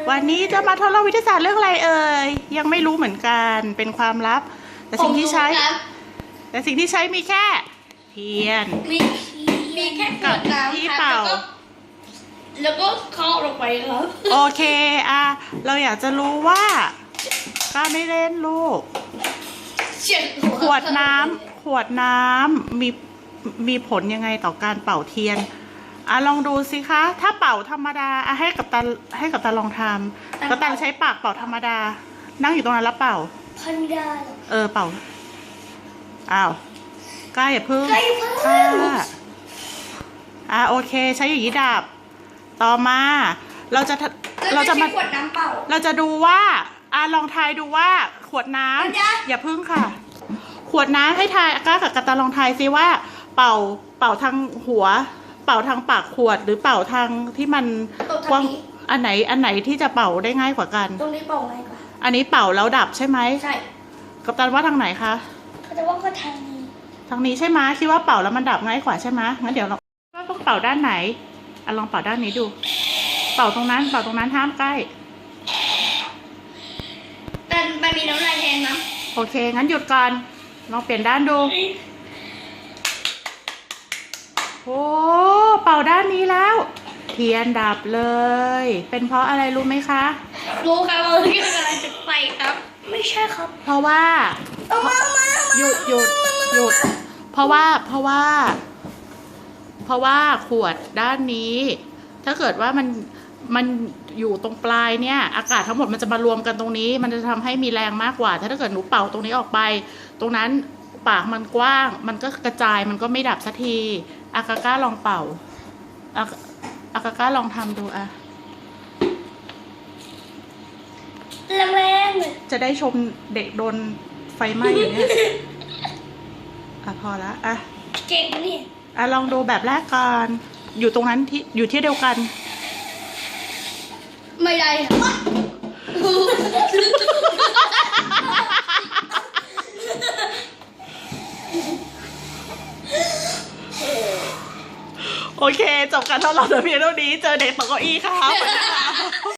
วันนี้จะมาทดลองวิทยาศาสตร์เรื่องอะไรเอ่ยยังไม่รู้เหมือนกันเป็นความลับแต่สิ่งที่ใช้มีแค่เทียนมีแค่ขวดน้ำที่ครับเป่าแล้วก็เคาะลงไปครับโอเคเราอยากจะรู้ว่าก็ไม่เล่นลูกเฉียดขวดน้ำมีผลยังไงต่อการเป่าเทียนลองดูสิคะถ้าเป่าธรรมดาให้กับตาลองทำกัปตันใช้ปากเป่าธรรมดานั่งอยู่ตรงนั้นแล้วเป่าพันดาเป่าอ้าวกล้าอย่าพึ่งโอเคใช้อย่างนี้ดับต่อมาเราจะมาขวดน้ำเปล่าเราจะดูว่าลองทายดูว่าขวดน้ำอย่าพึ่งค่ะขวดน้ำให้ทายกล้ากับกัปตันลองทายซิว่าเป่าทางหัวเป่าทางปากขวดหรือเป่าทางที่มันกว้างอันไหนที่จะเป่าได้ง่ายกว่ากันตรงนี้เป่าง่ายกว่าอันนี้เป่าแล้วดับใช่ไหมใช่กัปตันว่าทางไหนคะเขาจะว่าก็ทางนี้ใช่ไหมคิดว่าเป่าแล้วมันดับง่ายกว่าใช่ไหมงั้นเดี๋ยวเราต้องเป่าด้านไหนลองเป่าด้านนี้ดูเป่าตรงนั้นห้ามใกล้แต่มันมีน้ำลายแทนนะโอเคงั้นหยุดก่อนลองเปลี่ยนด้านดูโอ้เป่าด้านนี้แล้วเทียนดับเลยเป็นเพราะอะไรรู้ไหมคะรู้ครับว่าเรื่องอะไรจุดไฟครับไม่ใช่ครับเพราะว่าหยุดเพราะว่าขวดด้านนี้ถ้าเกิดว่ามันอยู่ตรงปลายเนี่ยอากาศทั้งหมดมันจะมารวมกันตรงนี้มันจะทำให้มีแรงมากกว่าถ้าเกิดหนูเป่าตรงนี้ออกไปตรงนั้นปากมันกว้างมันก็กระจายมันก็ไม่ดับสักทีอากาก้าลองเป่าอากาก้าลองทำดูแรงจะได้ชมเด็กโดนไฟไหม้อยู่เนี่ยพอละเก่งนี่ลองดูแบบแรกก่อนอยู่ตรงนั้นอยู่ที่เดียวกันไม่ได้โอเคจบการทดลองแต่เพียงเท่านี้เจอเด็กตกเก้าอี้ครับ